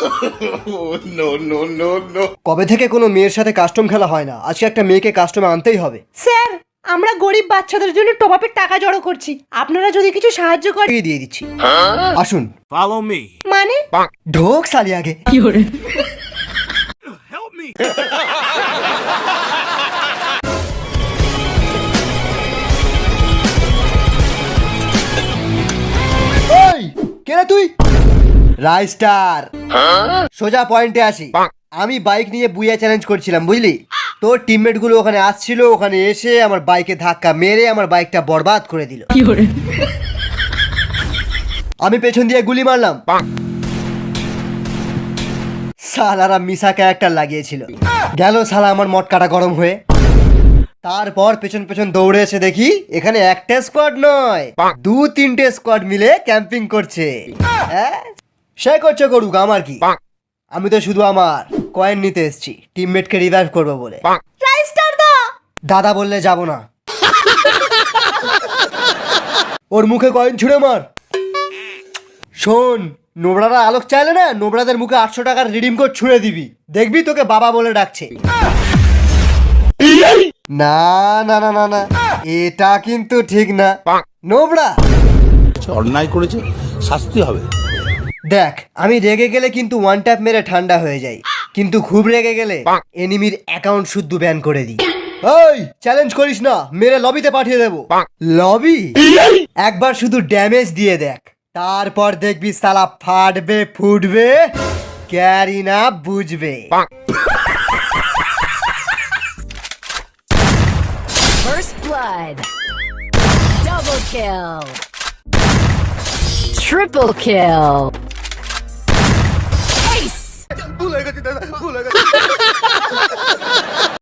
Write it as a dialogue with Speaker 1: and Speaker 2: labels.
Speaker 1: কবে থেকে কোনো মেয়ের সাথে কাস্টম খেলা হয় না, আজকে একটা মেয়েকে কাস্টমে আনতেই হবে।
Speaker 2: স্যার, আমরা গরিব বাচ্চাদের জন্য টপ-আপের টাকা জড়ো করছি, আপনারা যদি কিছু সাহায্য করেন।
Speaker 1: দিয়ে দিচ্ছি, আসুন।
Speaker 3: Follow me.
Speaker 2: মানে
Speaker 1: ঢোক সালি আগে।
Speaker 3: Help me.
Speaker 1: ওই কে রে তুই? রাইস্টার, সোজা পয়েন্টে আসি। আমি বাইক নিয়ে বুইয়া চ্যালেঞ্জ করছিলাম, বুঝলি? তোর টিমমেট গুলো ওখানে আসছিল, ওখানে এসে আমার বাইকে ধাক্কা মেরে আমার বাইকটা বরবাদ করে দিল। আমি পেছন দিয়ে গুলি মারলাম, সালারা মিশা ক্যারেক্টার লাগিয়েছিল। গেল শালা আমার মটকাটা গরম হয়ে। তারপর পেছন পেছন দৌড়ে এসে দেখি এখানে একটা স্কোয়াড নয়, 2-3টে স্কোয়াড মিলে ক্যাম্পিং করছে। সে করছে করুক, আমার কি? আমি তো শুধু আমার কয়েন নিতে এসেছি, টিমমেটকে রিভাইভ করবো বলে।
Speaker 2: রাইস্টার দা,
Speaker 1: দাদা বললে যাব না। ওর মুখে কয়েন ছুঁড়ে মার। শোন, নোবড়ারা আলোক চাইলে না, নোবড়াদের মুখে 800 টাকার রিডিম কোড ছুঁড়ে দিবি, দেখবি তোকে বাবা বলে ডাকছে। না না না না না, এটা কিন্তু ঠিক না। নোবড়া
Speaker 4: অন্যায় করেছে, শাস্তি হবে।
Speaker 1: দেখ, আমি রেগে গেলে কিন্তু ওয়ান ট্যাপ মেরে ঠান্ডা হয়ে যাই, কিন্তু খুব রেগে গেলে এনিমির অ্যাকাউন্ট শুদ্ধ ব্যান করে দিই। ওই চ্যালেঞ্জ করিস না, মেরে লবিতে পাঠিয়ে দেবো। লবি? একবার শুধু ড্যামেজ দিয়ে দেখ, তারপর দেখবি সালা ফাটবে ফুটবে, ক্যারি না বুঝবে।
Speaker 5: First blood. Double kill. Triple kill. Ace.